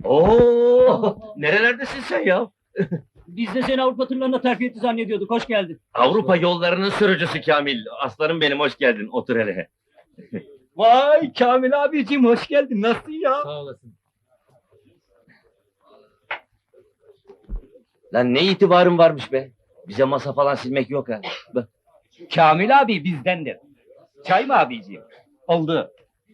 Oo, nerelerdesin sen ya? Biz de seni Avrupa turlarına terfi etti zannediyorduk. Hoş geldin. Avrupa yollarının sürücüsü Kamil. Aslanım benim, hoş geldin. Otur hele. Vay Kamil abiciğim hoş geldin. Nasılsın ya? Sağ olasın. Lan ne itibarın varmış be? Bize masa falan silmek yok ha. Bak. Kamil abi bizdendir. Çay mı abiciğim? Oldu.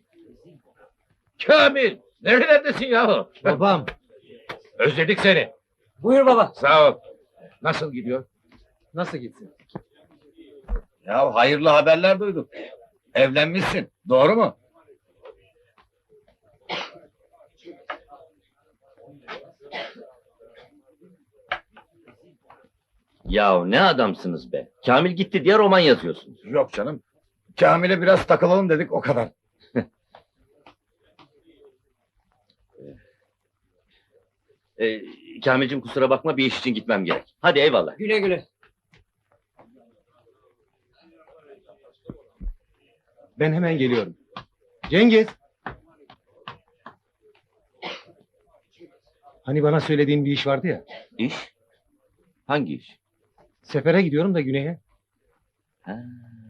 Kamil! Nerelerdesin yahu? Babam. Özledik seni. Buyur baba. Sağ ol. Nasıl gidiyor? Nasıl gitsin? Ya hayırlı haberler duyduk. Evlenmişsin. Doğru mu? Ya ne adamsınız be? Kamil gitti diye roman yazıyorsunuz. Yok canım. Kamil'e biraz takılalım dedik o kadar. Kamil'cim kusura bakma, bir iş için gitmem gerek. Hadi eyvallah. Güle güle. Ben hemen geliyorum. Cengiz! Hani bana söylediğin bir iş vardı ya. İş? Hangi iş? Sefere gidiyorum da güneye. Ha.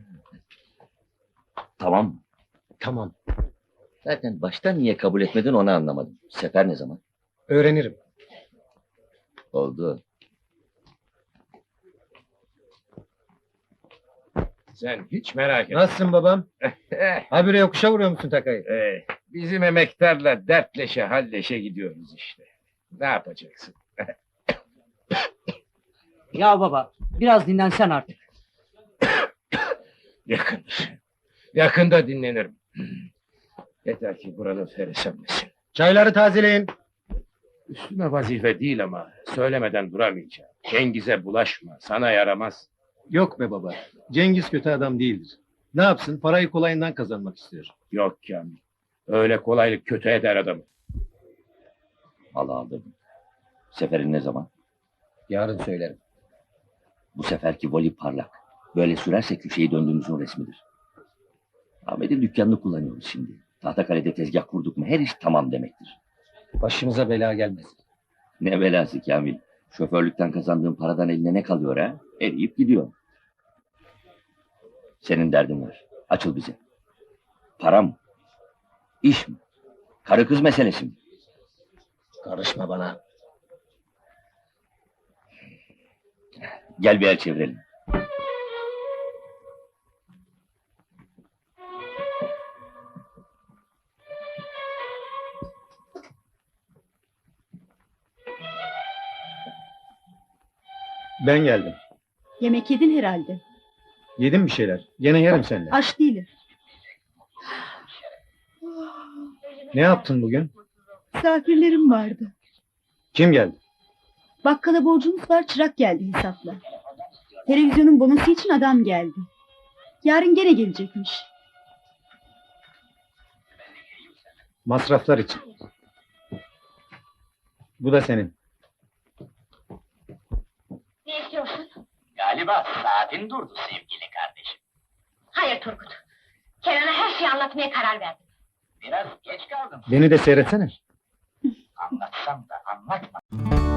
Tamam. Tamam. Zaten baştan niye kabul etmedin onu anlamadım. Sefer ne zaman? Öğrenirim. Oldu. Sen hiç merak etme. Nasılsın babam? Habire yokuşa vuruyor musun takayı? Bizim emektarla dertleşe halleşe gidiyoruz işte. Ne yapacaksın? Ya baba biraz dinlensen artık. Yakındır. Yakında dinlenirim. Yeter ki buranın ferisemesin. Çayları tazeleyin. Üstüme vazife değil ama söylemeden duramayacağım. Cengiz'e bulaşma, sana yaramaz. Yok be baba. Cengiz kötü adam değildir. Ne yapsın? Parayı kolayından kazanmak istiyor. Yok Kamil. Öyle kolaylık kötü eder adamı. Vallahi aldırdım. Seferin ne zaman? Yarın söylerim. Bu seferki voli parlak. Böyle sürerse köşeyi döndüğümüzün resmidir. Ahmet'in dükkanını kullanıyoruz şimdi. Tahtakale'de tezgah kurduk mu her iş tamam demektir. Başımıza bela gelmesin. Ne belası Kamil. Şoförlükten kazandığın paradan eline ne kalıyor ha? Eriyip gidiyor. Senin derdin var. Açıl bize. Para mı? İş mi? Karı kız meselesi mi? Karışma bana. Gel bir el çevirelim. Ben geldim. Yemek yedin herhalde. Yedim bir şeyler. Gene yerim seninle. Aç değilim. Ne yaptın bugün? Misafirlerim vardı. Kim geldi? Bakkala borcumuz var, çırak geldi hesapla. Televizyonun bonosu için adam geldi. Yarın gene gelecekmiş. Masraflar için. Bu da senin. Ne istiyorsun? Galiba saatin durdu sevgili kardeşim. Hayır Turgut. Kenan'a her şeyi anlatmaya karar verdim. Biraz geç kaldım. Beni de seyretsene. Anlatsam da anlatma.